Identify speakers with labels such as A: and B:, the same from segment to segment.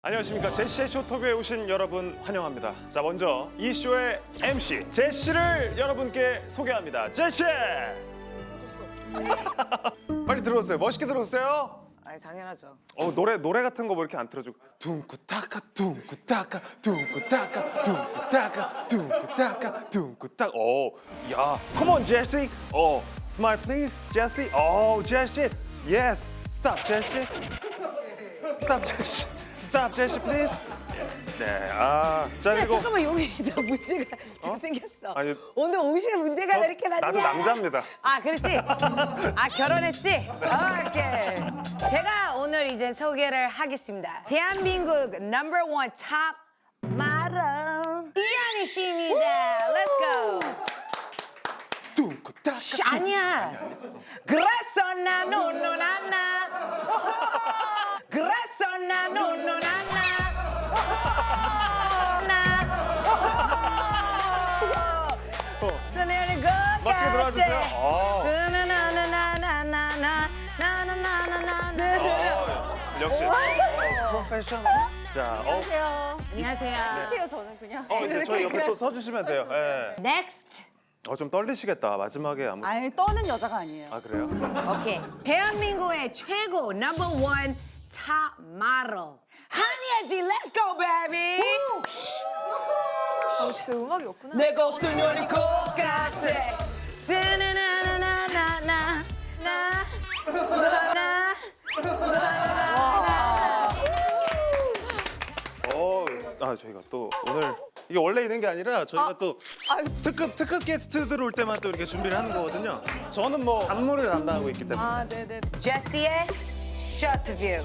A: 안녕하십니까. 제시의 쇼토크에 오신 여러분 환영합니다. 자, 먼저 이 쇼의 MC 제시를 여러분께 소개합니다. 제시! 빨리 들어오세요. 멋있게 들어오세요.
B: 아니 당연하죠.
A: 노래 같은 거 뭐 이렇게 안 틀어주고 둥꾸타카 둥꾸타카 둥꾸타카 둥꾸타카 둥꾸타카 둥꾸타카. 야, come on 제시. smile please 제시. 제시. yes. stop 제시. stop 제시. stop 제시 please. 네, 자
B: 야,
A: 그리고
B: 잠깐만 여기 저 문제가 생겼어.
A: 아니,
B: 오늘 옷에 문제가 왜 이렇게 많냐?
A: 나도 남자입니다.
B: 아 그렇지. 아 결혼했지. 오케이. 제가 오늘 이제 소개를 하겠습니다. 대한민국 넘버 원 탑 마더 이한희 씨입니다. Let's go.
A: 둥꾸타카.
B: 아니야. 그래서 나 노노나나. 그래서 나 노노나나.
A: 멋지게 들어와주세요. 역시 프로페셔널. 자,
B: 안녕하세요.
C: 해요 저는 그냥.
A: 이제 저희 옆에 또 서주시면 돼요. 예.
B: Next.
A: 좀 떨리시겠다. 마지막에 아무.
C: 아니 떠는 여자가 아니에요.
A: 아 그래요?
B: 오케이. 대한민국의 최고 넘버 원 탑 모델 한예지. Let's go, baby.
C: 진짜 음악이 없구나.
B: 내 것도 년이 똑같아. 나나나나나나
A: 저희가 또 오늘 이게 원래 있는 게 아니라 저희가 또 특급 게스트들 올 때만 또 이렇게 준비를 하는 거거든요. 저는 뭐 안무를 담당하고 있기 때문에.
C: 아 네네.
B: 제시의 쇼트뷰.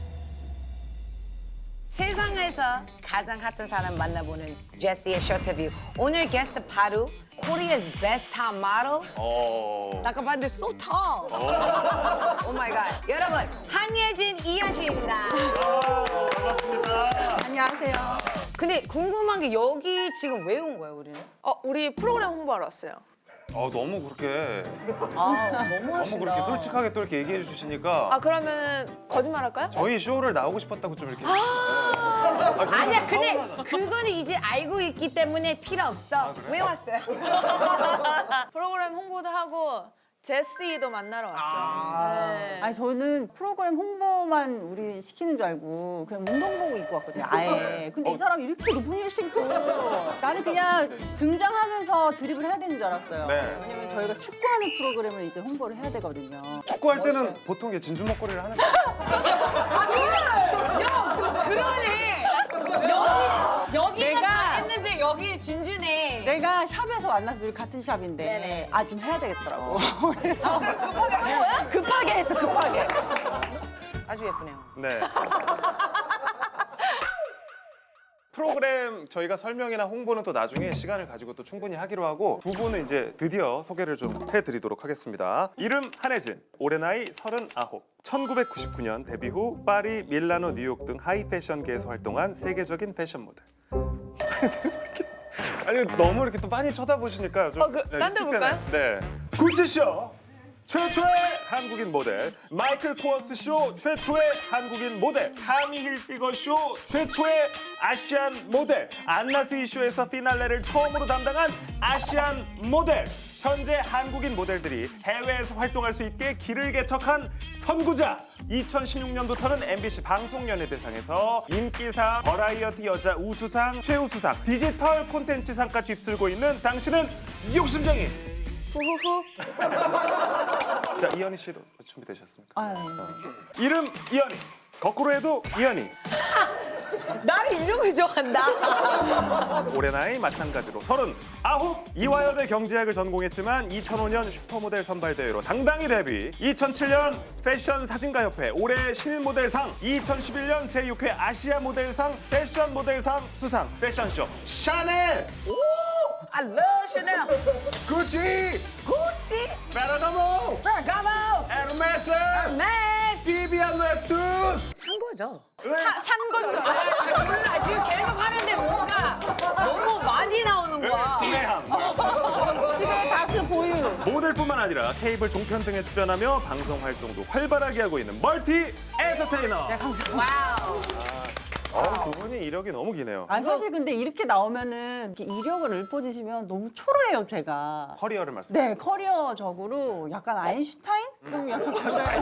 B: 세상에서 가장 핫한 사람 만나보는 제시의 쇼트뷰. 오늘 게스트 바로 Korea's best top model. 아까 봤는데 so tall. Oh my god. 여러분, 한예진 이현 씨입니다.
C: 안녕하세요.
B: 근데 궁금한 게 여기 지금 왜 온 거예요, 우리는?
D: 우리 프로그램 홍보하러 왔어요.
A: 너무 그렇게
B: 너무
A: 그렇게 솔직하게 또 이렇게 얘기해 주시니까
D: 그러면 거짓말 할까요?
A: 저희 쇼를 나오고 싶었다고 좀 이렇게.
B: 아니야, 근데 그거는 이제 알고 있기 때문에 필요 없어. 왜 왔어요?
D: 프로그램 홍보도 하고 제시도 만나러 왔죠. 네.
C: 아니 저는 프로그램 홍보만 우리 시키는 줄 알고 그냥 운동복을 입고 왔거든요. 아예. 근데 이 사람이 이렇게 높은 힐 신고 나는 그냥 등장하면서 드립을 해야 되는 줄 알았어요.
A: 네.
C: 왜냐면 저희가 축구하는 프로그램을 이제 홍보를 해야 되거든요.
A: 축구할 때는 보통 이게 진주 먹거리를 하는 거예요.
B: 그러네. 여기가
C: 내가-
B: 했는데 여기 진주네.
C: 내가 샵에서 만나서 우리 같은 샵인데
B: 네네.
C: 좀 해야 되겠더라고. 그래서 급하게 한 거야? 급하게 했어, 급하게.
B: 아주 예쁘네요.
A: 네. 프로그램 저희가 설명이나 홍보는 또 나중에 시간을 가지고 또 충분히 하기로 하고 두 분은 이제 드디어 소개를 좀 해드리도록 하겠습니다. 이름 한혜진, 올해 나이 39. 1999년 데뷔 후 파리, 밀라노, 뉴욕 등 하이 패션계에서 활동한 세계적인 패션 모델. 아니 너무 이렇게 또 많이 쳐다보시니까 좀.
D: 딴데 볼까요?
A: 네. 구찌쇼 최초의 한국인 모델, 마이클 코어스 쇼 최초의 한국인 모델, 타미 힐피거 쇼 최초의 아시안 모델, 안나스이 쇼에서 피날레를 처음으로 담당한 아시안 모델. 현재 한국인 모델들이 해외에서 활동할 수 있게 길을 개척한 선구자. 2016년부터는 MBC 방송연예대상에서 인기상, 버라이어티 여자 우수상, 최우수상, 디지털 콘텐츠상까지 휩쓸고 있는 당신은 욕심쟁이.
D: 후후후.
A: 자, 이현희 씨도 준비되셨습니까?
C: 아, 네.
A: 이름 이현희, 거꾸로 해도 이현희.
B: 나를 이름을 좋아한다.
A: 올해 나이 마찬가지로 39. 이화여대 경제학을 전공했지만 2005년 슈퍼모델 선발대회로 당당히 데뷔. 2007년 패션 사진가협회 올해 신인 모델상, 2011년 제6회 아시아 모델상 패션 모델상 수상. 패션쇼 샤넬,
B: I love Chanel.
A: 구찌,
B: Gucci.
A: 페라가모,
B: Ferragamo.
A: 에르메스,
B: Hermes.
A: 비비안 웨스툰.
B: 산 거죠?
D: 산 건줄 알았어요.
B: 몰라, 지금 계속 하는데 뭔가 너무 많이 나오는 거야.
A: 구매함.
C: 집에 다수 보유.
A: 모델뿐만 아니라 케이블 종편 등에 출연하며 방송 활동도 활발하게 하고 있는 멀티 엔터테이너.
B: 와우.
A: 두 분이 이력이 너무 기네요.
C: 아니 사실 근데 이렇게 나오면은 이렇게 이력을 읊어주시면 너무 초라해요 제가.
A: 커리어를 말씀.
C: 네 커리어적으로 약간 아인슈타인? 좀 약간 그래.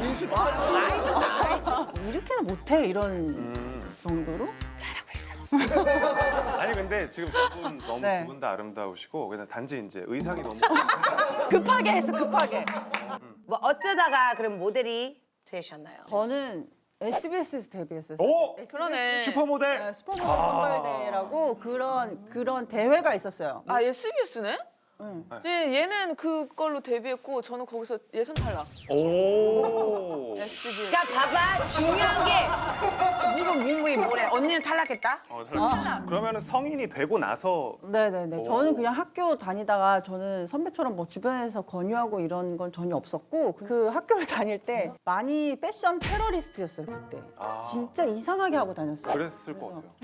C: 이렇게는 못해 이런 정도로?
B: 잘하고 있어.
A: 아니 근데 지금 두 분 너무
C: 네.
A: 두 분 다 아름다우시고 그냥 단지 이제 의상이 너무
C: 급하게 했어 급하게.
B: 뭐 어쩌다가 그럼 모델이 되셨나요?
C: 저는 SBS에서 데뷔했어요.
A: 오!
D: 그러네.
A: 슈퍼모델.
C: 네, 슈퍼모델 선발대회라고 그런 대회가 있었어요.
D: 아 SBS네?
C: 응.
D: 얘는 그걸로 데뷔했고 저는 거기서 예선 탈락.
A: 오.
D: SBS.
B: 그러니까 봐봐 중요한 게 누구 문무이 뭐래 언니는 탈락했다?
A: 그러면은 성인이 되고 나서
C: 네네네.
A: 오.
C: 저는 그냥 학교 다니다가 저는 선배처럼 뭐 주변에서 권유하고 이런 건 전혀 없었고 그 학교를 다닐 때 많이 패션 테러리스트였어요 그때. 진짜 이상하게 하고 다녔어요.
A: 그랬을 것 같아요.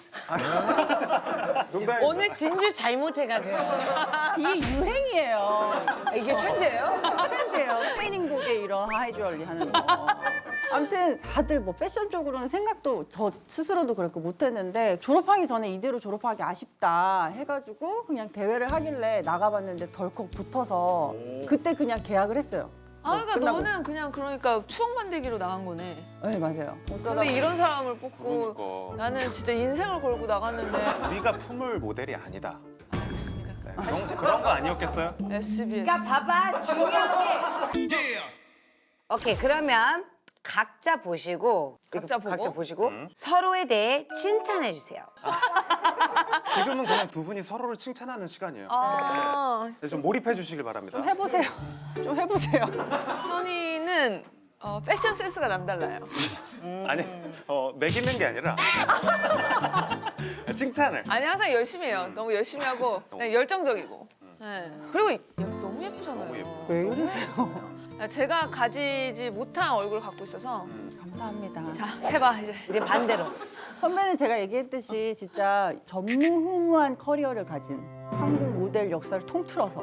A: 농담입니다.
B: 오늘 진주 잘못해가지고
C: 이게 유행이에요.
B: 이게 트렌드예요?
C: 트렌드예요. 트레이닝복에 이런 하이주얼리 하는 거. 아무튼 다들 뭐 패션 쪽으로는 생각도 저 스스로도 그렇고 못했는데 졸업하기 전에 이대로 졸업하기 아쉽다 해가지고 그냥 대회를 하길래 나가봤는데 덜컥 붙어서 그때 그냥 계약을 했어요.
D: 아 그러니까
C: 끝나고.
D: 너는 그냥 그러니까 추억 만들기로 나간 거네.
C: 네 맞아요.
D: 근데 이런 사람을 뽑고
A: 그러니까.
D: 나는 진짜 인생을 걸고 나갔는데
A: 우리가 품을 모델이 아니다. 네, 그런 거 아니었겠어요?
D: SBS.
B: 그러니까 봐봐 중요한 게 오케이 그러면 각자 보시고
D: 각자 보고?
B: 서로에 대해 칭찬해 주세요.
A: 지금은 그냥 두 분이 서로를 칭찬하는 시간이에요.
D: 아
A: 네, 좀 몰입해 주시길 바랍니다.
C: 좀 해보세요. 좀 해보세요.
D: 선이는 패션 센스가 남달라요.
A: 아니, 매기는 게 아니라 칭찬을.
D: 아니 항상 열심히 해요. 너무 열심히 하고 그냥 열정적이고. 네. 그리고 너무 예쁘잖아요.
A: 너무 예뻐.
C: 왜 이러세요?
D: 제가 가지지 못한 얼굴을 갖고 있어서
C: 감사합니다.
D: 자 해봐 이제.
B: 이제 반대로
C: 선배는 제가 얘기했듯이 진짜 전무후무한 커리어를 가진 한국 모델 역사를 통틀어서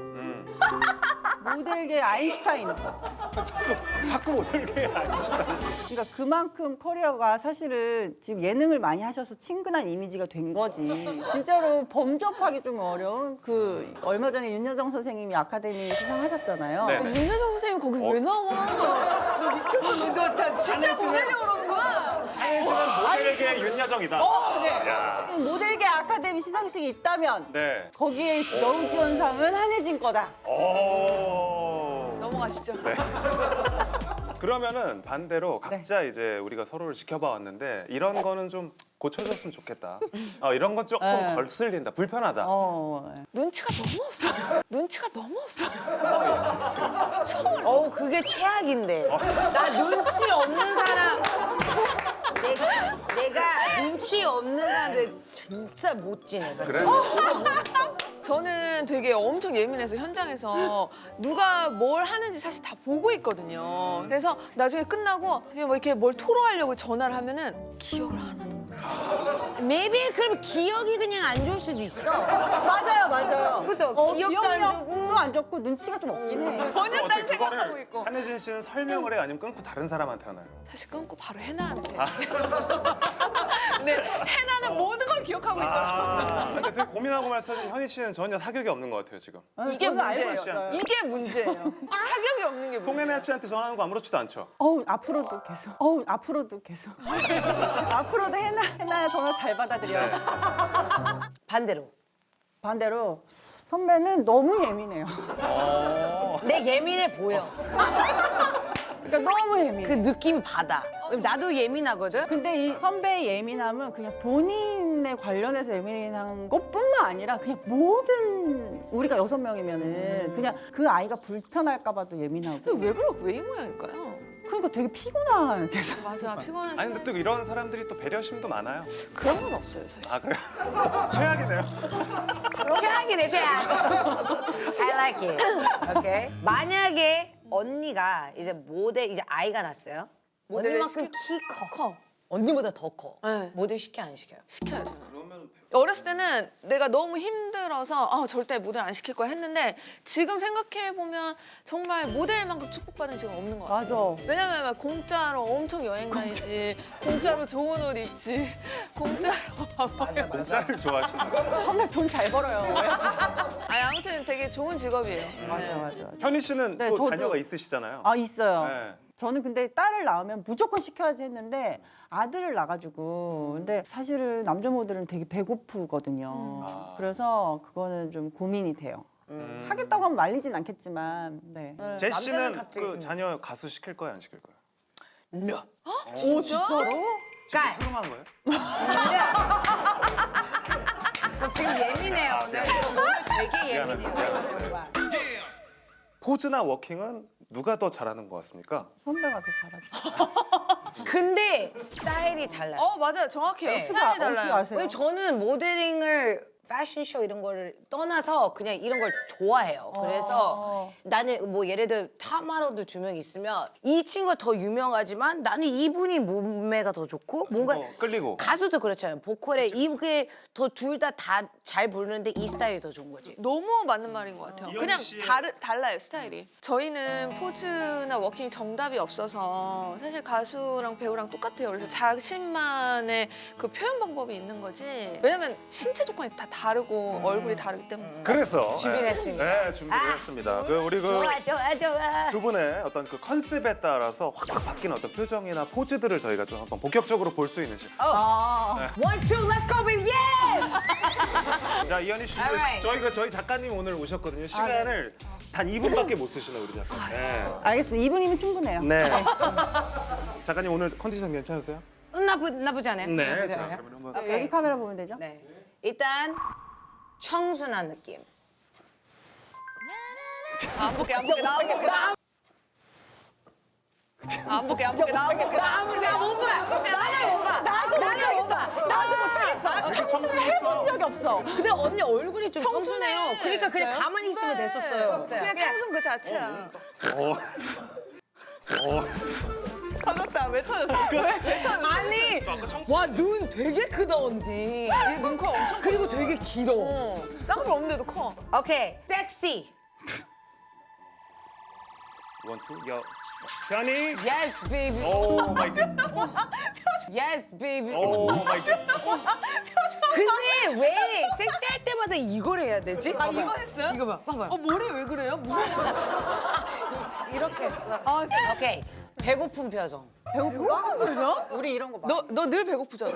C: 모델계 아인슈타인.
A: 자꾸 모델게 아니시다.
C: 그러니까 그만큼 커리어가 사실은 지금 예능을 많이 하셔서 친근한 이미지가 된 거지. 진짜로 범접하기 좀 어려운 그 얼마 전에 윤여정 선생님이 아카데미 수상하셨잖아요.
A: 네.
D: 윤여정 선생님 거기서 왜 나와? 너 미쳤어. 너 진짜 보내려고 그러는 거야?
A: 한혜진은 모델계 윤여정이다. 야.
C: 모델계 아카데미 시상식이 있다면
A: 네.
C: 거기에 여우지원상은 한혜진 거다.
A: 오.
D: 넘어가시죠.
A: 네. 그러면은 반대로 각자 이제 우리가 서로를 지켜봐 왔는데 이런 거는 좀 고쳐줬으면 좋겠다. 이런 건 조금
C: 네.
A: 거슬린다. 불편하다.
D: 눈치가 너무 없어. 눈치가 너무 없어.
B: 그게 최악인데 나 눈치 없는 사람 내가 눈치 없는 사람들 진짜 못 지내.
A: 그래?
D: 저는 되게 엄청 예민해서 현장에서 누가 뭘 하는지 사실 다 보고 있거든요. 그래서 나중에 끝나고 그냥 뭐 이렇게 뭘 토로하려고 전화를 하면은 기억을 하나도 못 해.
B: maybe 그럼 기억이 그냥 안 좋을 수도 있어.
C: 맞아요.
B: 그죠? 기억도 안
C: 기억력도 안 좋고 눈치가 좀 없긴 해.
D: 번역 딴
A: 어떻게
D: 생각하고
A: 그거를
D: 있고.
A: 한혜진 씨는 설명을 해 아니면 끊고 다른 사람한테 하나요?
D: 다시 끊고 바로 해나한테. 근데 해나는 모든 걸 기억하고 있더라고요.
A: 근데 되게 고민하고 말씀하신 현희 씨는 전혀 사격이 없는 것 같아요 지금.
D: 이게
C: 저는 알고
D: 문제예요.
C: 있어요.
D: 이게 문제예요. 타격이 없는 게 문제예요.
A: 송혜나 씨한테 전화하는 거 아무렇지도 않죠?
C: 앞으로도 계속. 앞으로도 계속. 앞으로도 해나야 전화 잘 받아들여. 반대로 선배는 너무 예민해요.
B: 내 예민해 보여.
C: 그러니까 너무 예민해.
B: 그 느낌 받아. 나도 예민하거든.
C: 근데 이 선배의 예민함은 그냥 본인에 관련해서 예민한 것뿐만 아니라 그냥 모든 우리가 6명이면은 그냥 그 아이가 불편할까 봐도 예민하고.
D: 근데 왜 이 모양일까요?
C: 그러니까 되게 피곤한 계속.
D: 맞아, 피곤한
A: 아니 근데 또 이런 사람들이 또 배려심도 많아요.
D: 그런 건 없어요, 사실.
A: 아 그래요? 최악이네요.
B: 최악이네 최악. I like it. 오케이. 만약에 언니가 이제 모델 이제 아이가 났어요.
D: 모델을
B: 언니만큼 키 커. 언니보다 더 커.
D: 네.
B: 모델 시켜 안 시켜요?
D: 시켜야죠.
A: 그러면
D: 어렸을 때는 내가 너무 힘들어서 절대 모델 안 시킬 거야 했는데 지금 생각해 보면 정말 모델만큼 축복받은 직업 없는 것 같아.
C: 맞아.
D: 왜냐면 막 공짜로 엄청 여행 다니지, 공짜로 좋은 옷 입지, 공짜로.
A: 공짜를 좋아하시는 거.
C: 정말 돈 잘 벌어요.
D: 아니 아무튼 되게 좋은 직업이에요.
C: 맞아, 맞아.
A: 현희 씨는
C: 네,
A: 또
C: 저도-
A: 자녀가 있으시잖아요.
C: 아, 있어요.
A: 네.
C: 저는 근데 딸을 낳으면 무조건 시켜야지 했는데 아들을 낳아가지고 근데 사실은 남자 모델은 되게 배고프거든요. 그래서 그거는 좀 고민이 돼요. 하겠다고 하면 말리진 않겠지만 네.
A: 제 씨는
B: 남자는 갑자기-
A: 그 자녀 가수 시킬 거예요, 안 시킬 거예요?
C: 오 진짜로?
B: 깔.
A: 트름한 거예요?
B: 저 지금 예민해요. 네, 저 오늘 되게 예민해요.
A: 포즈나 워킹은 누가 더 잘하는 것 같습니까?
C: 선배가 더 잘하죠.
B: 근데 스타일이 달라요.
D: 맞아요, 정확해요.
B: 네.
D: 스타일이
C: 어떻게
D: 달라요.
C: 아세요?
B: 왜냐면 저는 모델링을 패션쇼 이런 거를 떠나서 그냥 이런 걸 좋아해요. 그래서 나는 뭐 예를 들어 탑 모델도 두 명 있으면 이 친구가 더 유명하지만 나는 이분이 몸매가 더 좋고 뭔가
A: 끌리고.
B: 가수도 그렇잖아요. 보컬에 이게 더 둘 다 잘 부르는데 이 스타일이 더 좋은 거지.
D: 너무 맞는 말인 것 같아요.
A: 이현희
D: 그냥
A: 씨의-
D: 달라요, 스타일이. 저희는 포즈나 워킹 정답이 없어서 사실 가수랑 배우랑 똑같아요. 그래서 자신만의 그 표현 방법이 있는 거지. 왜냐면 신체 조건이 다 다르고 얼굴이 다르기 때문에.
A: 그래서
B: 준비를
A: 네.
B: 했습니다.
A: 네, 준비를 했습니다. 우리
B: 좋아 좋아.
A: 두 분의 어떤 그 컨셉에 따라서 확 바뀌는 어떤 표정이나 포즈들을 저희가 좀 한번 본격적으로 볼 수 있는 시간.
B: One, two, let's go, baby, yes!
A: 자, 이현희 씨,
B: Alright.
A: 저희 작가님 오늘 오셨거든요. 시간을 단 2분밖에 못 쓰시네요, 우리 작가. 네.
C: 알겠습니다. 2분이면 충분해요.
A: 네. 작가님 오늘 컨디션 괜찮으세요?
B: 나쁘지 않아요?
A: 네.
B: 나쁘지
A: 자,
B: 않아요?
A: 그러면 한번.
B: 오케이.
C: 여기 카메라 보면 되죠?
B: 네. 일단 청순한 느낌.
D: 안 볼게, 안 볼게, 나 안 볼게, 나 안 볼게, 안 볼게, 나 안 볼게, 나 안 볼게.
B: 나못 봐. 나는 못 봐. 나는 못 봐.
C: 나도 못하겠어. 청소를 해본 적이 없어.
B: 근데 언니 얼굴이 좀
D: 청순해.
B: 청순해요. 그러니까 그냥 가만히 있으면 됐었어요.
D: 그냥 청순 그 자체야.
A: 어.
D: 터졌다, 왜 터졌어? 왜 터졌어?
B: 아니, 와 눈 되게 크다 언니.
D: 눈커 엄청
B: 그리고 되게 길어.
D: 쌍꺼풀 없는데도 커.
B: 오케이, 섹시.
A: 원투, 여. 현희.
B: Yes, baby.
A: 오 마이 갓.
B: Yes, baby.
A: 오 마이 갓.
B: 근데 왜 섹시할 때마다 이걸 해야 되지?
D: 이거 했어요?
B: 이거 봐, 봐봐요.
D: 머리 왜 그래요? 무슨
B: 이렇게 했어. 오케이, 배고픈 표정.
C: 배고프다? 우리 이런 거 봐.
D: 너 늘 배고프잖아.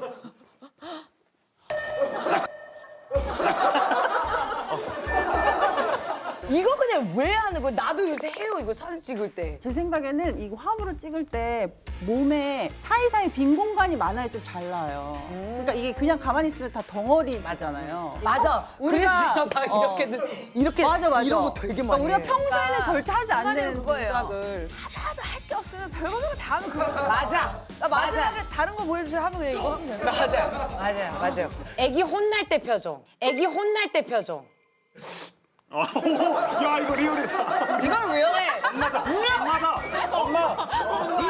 B: 이거 그냥 왜 하는 거야? 나도 요새 해요, 이거 사진 찍을 때.
C: 제 생각에는 이거 화보를 찍을 때 몸에 사이사이 빈 공간이 많아야 좀 잘 나와요. 그러니까 이게 그냥 가만히 있으면 다 덩어리잖아요.
B: 맞아.
C: 우리가
B: 그래서 막 이렇게
C: 맞아.
B: 이런 거 되게 많이
C: 우리가
B: 해.
C: 평소에는 절대 하지 않는
D: 그거예요.
C: 동작을.
D: 하나도 할 게 없으면 별거 다 하면 그거.
B: 맞아.
D: 나 마지막에 다른 거 보여주세요 하면 그냥 이거 하면 돼.
B: 맞아요. 애기 혼날 때 표정. 애기 혼날 때 표정.
A: 야, 이거 리얼이다.
B: 이걸 왜 해?
A: 엄마.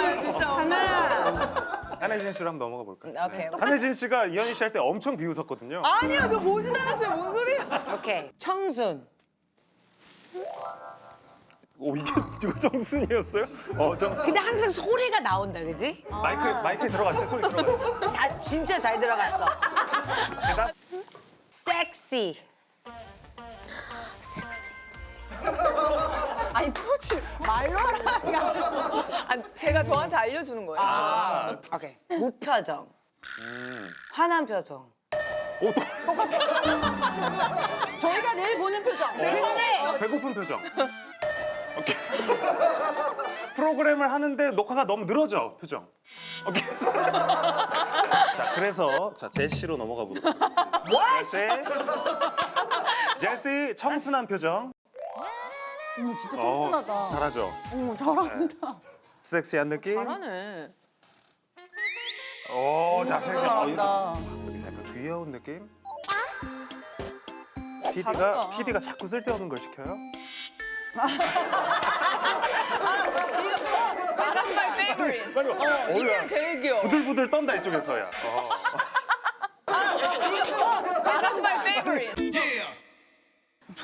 C: 하나.
A: 한혜진 씨로 한번 넘어가 볼까요?
B: 오케이.
A: 한혜진 씨가 이현희 씨 할 때 엄청 비웃었거든요.
D: 아니야, 너 보지도 않았어요. 뭔 소리야?
B: 오케이. 청순.
A: 오, 이거 정순이었어요? 정순.
B: 근데 항상 소리가 나온다, 그지?
A: 마이크에 들어갔죠? 소리 들어갔죠?
B: 다 진짜 잘 들어갔어.
A: 대답.
B: 섹시.
C: 아니 포즈 말로 하라니까.
D: 아니, 제가 저한테 알려주는 거예요.
B: 오케이. 무표정. 화난 표정.
A: 오, 또
C: 저희가 내일 보는 표정.
B: 근데
A: 배고픈 표정. 오케이. 프로그램을 하는데 녹화가 너무 늘어져, 표정. 오케이. 자, 그래서 제시로 넘어가 보도록 하겠습니다. 제시, 청순한 표정.
C: 어머 진짜 청순하다.
A: 잘하죠?
C: 어머 잘한다.
A: 섹시한 느낌.
D: 잘하네.
A: 오, 자,
C: 잘한다.
A: 여기 약간 귀여운 느낌.
D: 잘한다.
A: PD가 자꾸 쓸데없는 걸 시켜요?
D: That's my favorite.
A: 빨리 와.
D: 이게 제일 귀여워.
A: 부들부들 떤다 이쪽에서야.
D: 이거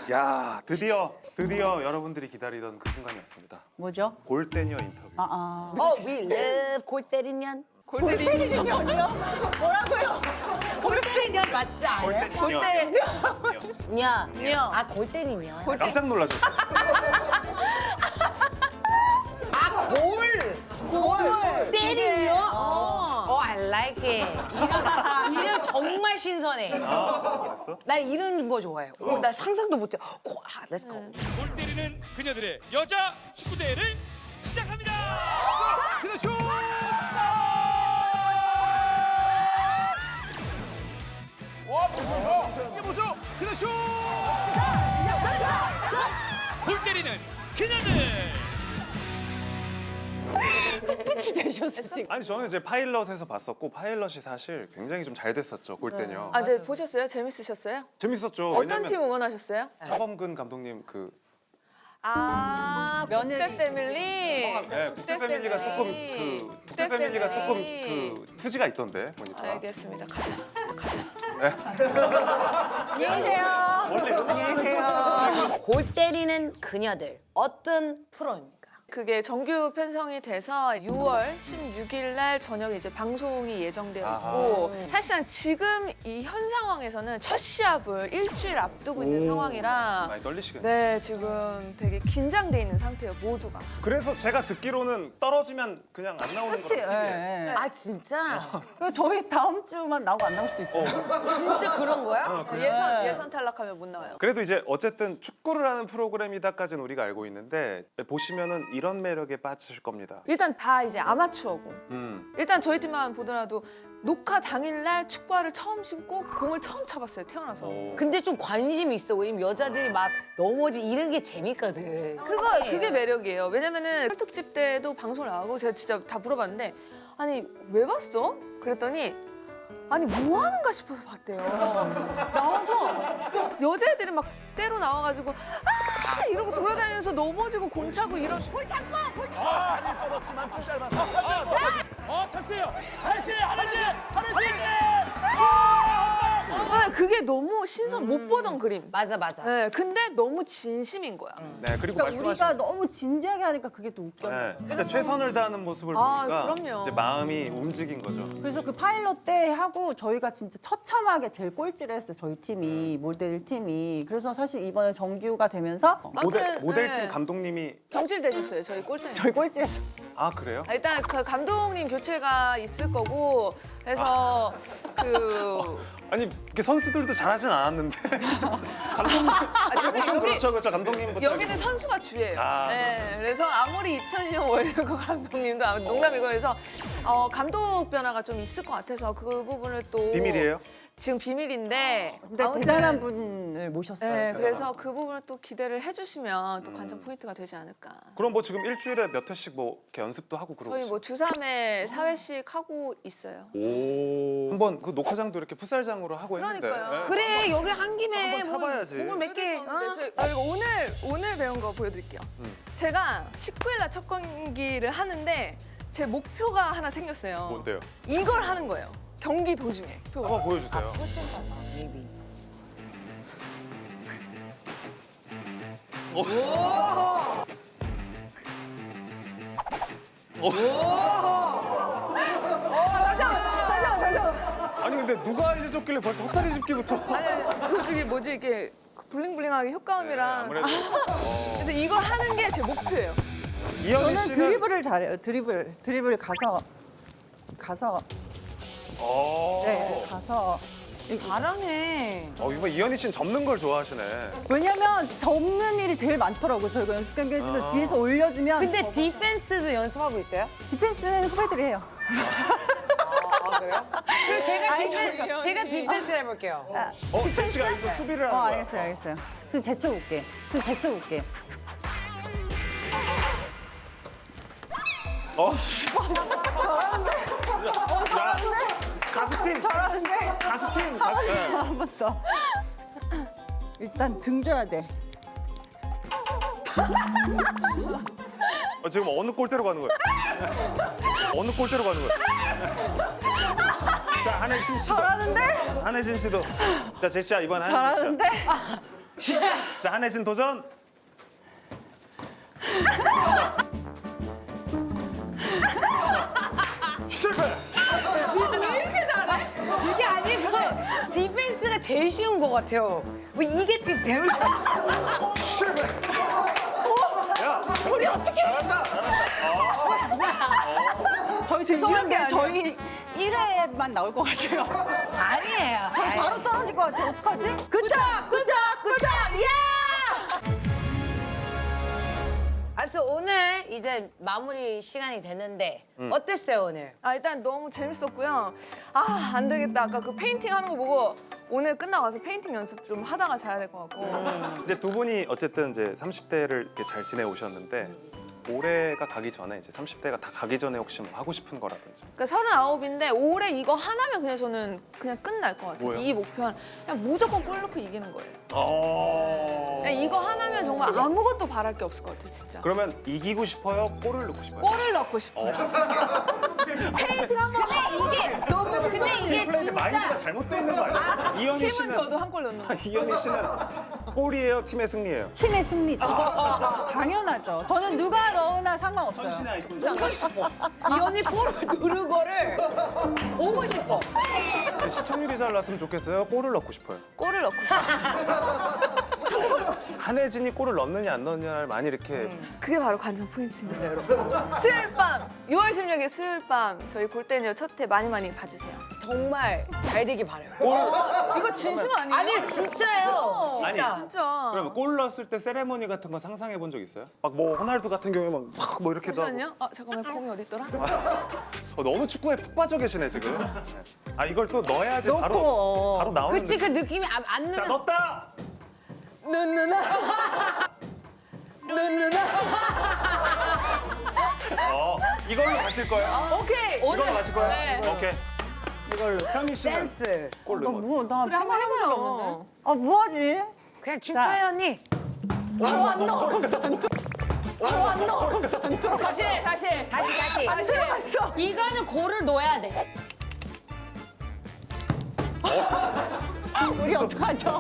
A: 야, 드디어 여러분들이 기다리던 그 순간이 왔습니다.
C: 뭐죠?
A: 골대녀 인터뷰.
B: We love 골 때리는 년.
C: 골 때리는 년이요? 뭐라고요?
B: 골 때리는 년 맞지 않아요?
A: 골대녀.
B: 냐.
D: 냐.
B: 아, 골 때리는 년.
A: 깜짝 놀라셨죠?
B: 아, 골 때리는 년? I like it. 이름 정말 신선해.
A: 알았어?
B: 나 이런 거 좋아해요. 나 상상도 못해. Let's go.
E: 골 때리는 그녀들의 여자 축구 대회를 시작합니다.
F: 그렇죠. 이게 뭐죠? 그렇죠.
E: 골 때리는 그녀들.
C: pitch 되셨어 지금.
A: 아니 저는 이제 파일럿에서 봤었고 파일럿이 사실 굉장히 좀 잘 됐었죠. 골대녀.
D: 아, 네 보셨어요? 재밌으셨어요?
A: 재밌었죠.
D: 어떤
A: 왜냐면
D: 팀 응원하셨어요?
A: 차범근 감독님 그
D: 아,
C: 며느리.
D: 국대 패밀리.
A: 국대 패밀리가 조금 국대 패밀리가 조금 그 투지가 있던데 보니까.
D: 알겠습니다. 가자.
C: 안녕히 계세요. 안녕히 계세요.
B: 골 때리는 그녀들. 어떤 프로입니까?
D: 그게 정규 편성이 돼서 6월 16일 날 저녁에 이제 방송이 예정되어 있고 사실상 지금 이 현 상황에서는 첫 시합을 일주일 앞두고 있는 상황이라
A: 많이 떨리시겠네.
D: 네, 지금 되게 긴장돼 있는 상태예요, 모두가.
A: 그래서 제가 듣기로는 떨어지면 그냥 안 나오는
C: 그렇지.
A: 거예요. TV에.
B: 아, 진짜?
C: 그 저희 다음 주만 나오고 안 나올 수도 있어요.
B: 진짜 그런 거야?
D: 예선 탈락하면 못 나와요.
A: 그래도 이제 어쨌든 축구를 하는 프로그램이다까지는 우리가 알고 있는데 보시면은 이런 매력에 빠지실 겁니다.
D: 일단 다 이제 아마추어고 일단 저희 팀만 보더라도 녹화 당일날 축구화를 처음 신고 공을 처음 차봤어요, 태어나서.
B: 근데 좀 관심이 있어. 왜냐면 여자들이 막 넘어지 이런 게 재밌거든.
D: 그게 매력이에요. 왜냐면은 특집 때도 방송을 나가고 제가 진짜 다 물어봤는데 아니 왜 봤어? 그랬더니 아니 뭐 하는가 싶어서 봤대요. 나와서 여자애들이 막 때로 나와가지고 아 이러고 돌아다니면서 넘어지고 공 차고 이런
F: 다리 뻗었지만 좀 짧았어.
E: 찬스예요. 찬스예요. 하나지.
D: 아, 그게 너무 신선 못 보던 그림.
B: 맞아, 맞아.
D: 네, 근데 너무 진심인 거야.
A: 네, 그리고
C: 그러니까
A: 말씀하신
C: 우리가 너무 진지하게 하니까 그게 또 웃겨.
A: 네, 진짜 최선을 다하는 모습을
D: 아,
A: 보니까
D: 그럼요.
A: 이제 마음이 움직인 거죠.
C: 그래서 그 파일럿 때 하고 저희가 진짜 처참하게 제일 꼴찌를 했어요. 저희 팀이 모델 팀이. 그래서 사실 이번에 정규가 되면서
A: 모델팀
D: 네.
A: 감독님이
D: 경질되셨어요, 저희 꼴등.
C: 저희 꼴찌했어.
A: 아 그래요?
D: 일단 그 감독님 교체가 있을 거고 그래서
A: 아니 이렇게 선수들도 잘하진 않았는데 그렇죠 감독님부터
D: 여기는 선수가 주예요.
A: 아.
D: 네, 그래서 아무리 2002년 월드컵 감독님도 농담이고 그래서 감독 변화가 좀 있을 것 같아서 그 부분을 또
A: 비밀이에요?
D: 지금 비밀인데
C: 근데
D: 아무튼
C: 대단한 분을 모셨어요.
D: 네,
C: 제가.
D: 그래서 그 부분을 또 기대를 해주시면 또 관전 포인트가 되지 않을까.
A: 그럼 뭐 지금 일주일에 몇 회씩 뭐 이렇게 연습도 하고 그러고
D: 저희 뭐 주 3회 4회씩 하고 있어요.
A: 오 한번 그 녹화장도 이렇게 풋살장으로 하고
D: 그러니까요.
A: 했는데 네.
B: 그래, 여기 한 김에
A: 한번 차봐야지.
B: 공을 몇 개.
D: 저희가 오늘 배운 거 보여드릴게요. 제가 19일 날 첫 경기를 하는데 제 목표가 하나 생겼어요.
A: 뭔데요?
D: 이걸 하는 거예요. 경기 도중에.
A: 한번 보여주세요.
B: 포칭 봐봐, maybe.
A: 아니 근데 누가 알려줬길래 벌써 헛다리 짚기부터
D: 아니, 저기 뭐지 이렇게 블링블링하게 효과음이랑.
A: 아무래도
D: 그래서 이걸 하는 게 제 목표예요.
A: 이현희
C: 저는
A: 씨는
C: 드리블을 잘해요. 드리블 가서 네 가서
B: 잘하네.
A: 이번 이현희 씨는 접는 걸 좋아하시네.
C: 왜냐면 접는 일이 제일 많더라고요. 저희가 연습 경기 해주면 뒤에서 올려주면
B: 근데 디펜스도 연습하고 있어요?
C: 디펜스는 후배들이 해요.
B: 아, 그래요? 그럼
C: 아니,
B: 제가 디펜스 해볼게요.
A: 제시가 여기서 수비를 하는 거야.
C: 알겠어요. 근데 제쳐볼게.
A: 씨. 잘하는데? 가수팀.
C: 잘하는데?
A: 가수팀.
C: 한 번 더. 일단 등 줘야 돼.
A: 지금 어느 골대로 가는 거야? 어느 골대로 가는 거야? 자 한혜진 씨도.
C: 잘하는데?
A: 한혜진 씨도. 자 제시야 이번 한혜진 씨.
C: 잘하는데?
A: 자, 한혜진 도전. 실패.
B: 이게 아니고 디펜스가 제일 쉬운 것 같아요. 뭐 이게 지금 배울
A: 실패.
B: 우리 어떻게
A: 잘한다.
C: 저희 죄송한데 저희 1회만 나올 것 같아요.
B: 아니에요.
C: 저희 바로 떨어질 것 같아요. 어떡하지? 굿잡! 굿잡! 굿잡! 예!
B: 아무튼 오늘 이제 마무리 시간이 됐는데 어땠어요 오늘?
D: 아, 일단 너무 재밌었고요. 아, 안 되겠다. 아까 그 페인팅 하는 거 보고 오늘 끝나고 와서 페인팅 연습 좀 하다가 자야 될 것 같고.
A: 이제 두 분이 어쨌든 이제 30대를 이렇게 잘 지내 오셨는데 올해가 가기 전에 이제 30대가 다 가기 전에 혹시 뭐 하고 싶은 거라든지.
D: 그러니까 39인데 올해 이거 하나면 그냥 저는 그냥 끝날 것 같아요.
A: 뭐요?
D: 이 목표는 그냥 무조건 골 넣고 이기는 거예요.
A: 어.
D: 그냥 이거 하나면 정말 아무것도 바랄 게 없을 것 같아요, 진짜.
A: 그러면 이기고 싶어요? 골을 넣고 싶어요?
D: 골을 넣고 싶어요.
B: 근데 이게 진짜
A: 잘못돼 있는 거 아니에요? 이현희
D: 팀은
A: 씨는
D: 저도 한 골 넣는 거.
A: 이현희 씨는 골이에요, 팀의 승리예요.
C: 팀의 승리죠. 당연하죠. 저는 누가 넣으나 상관없어요.
A: 아이콘.
B: 보고 싶어. 이 언니 볼을 누른 거를 보고 싶어.
A: 시청률이 잘 났으면 좋겠어요. 골을 넣고 싶어요.
D: 골을 넣고 싶어요.
A: 한혜진이 골을 넣느냐 안 넣느냐를 많이 이렇게
D: 그게 바로 관전 포인트입니다, 여러분. 수요일 밤, 6월 16일 수요일 밤 저희 골대녀 첫회 많이 많이 봐주세요.
B: 정말 잘 되길 바라요.
D: 이거 진심 아니에요?
B: 아니 진짜예요. 진짜.
A: 아니,
D: 진짜.
A: 그러면 골 넣었을 때 세레모니 같은 거 상상해 본 적 있어요? 막 뭐 호날두 같은 경우에 막 뭐 이렇게 도 하고.
D: 잠시만요. 아, 잠깐만, 공이 어디 있더라?
A: 너무 축구에 푹 빠져 계시네 지금. 아 이걸 또 넣어야지
C: 넣고.
A: 바로 나오는
B: 그치 그 느낌이 안
A: 자
B: 넣으면
A: 넣었다. 이걸로 가실 거예요?
D: 오케이.
A: 이걸로 가실 거예요?
D: 네.
A: 오케이. 이걸로. 현희 씨는
B: 센스.
A: 골
C: 나
A: 넣으면.
C: 뭐, 나
D: 그래, 한번
C: 생각해본 적
D: 해봐요.
C: 없는데. 아, 뭐하지?
B: 그냥 춤춰요 언니. 다시.
C: 안 들어갔어.
B: 이거는 골을 넣어야 돼.
C: 우리 어떡하죠?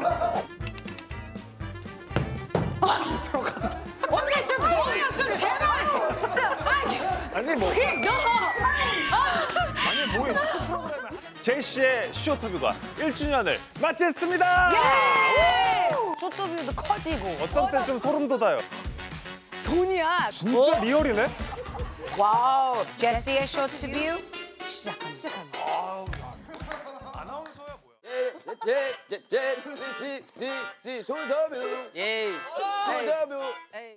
B: 언니 좀 넣어요 좀 제발. 진짜.
A: 아니 뭐
B: 그냥 넣어.
A: 아니 뭐예요? 축구 프로그램 제시의 쇼터뷰가 1주년을 마쳤습니다.
B: 쇼트뷰도 커지고.
A: 어떤 때 좀 소름 돋아요.
B: 돈이야.
A: 진짜 리얼이네.
B: 와우. 제시의 쇼트뷰 시작합니다.
A: 아나운서야 뭐야?
G: 시, 쇼더뷰. 예. 쇼더뷰.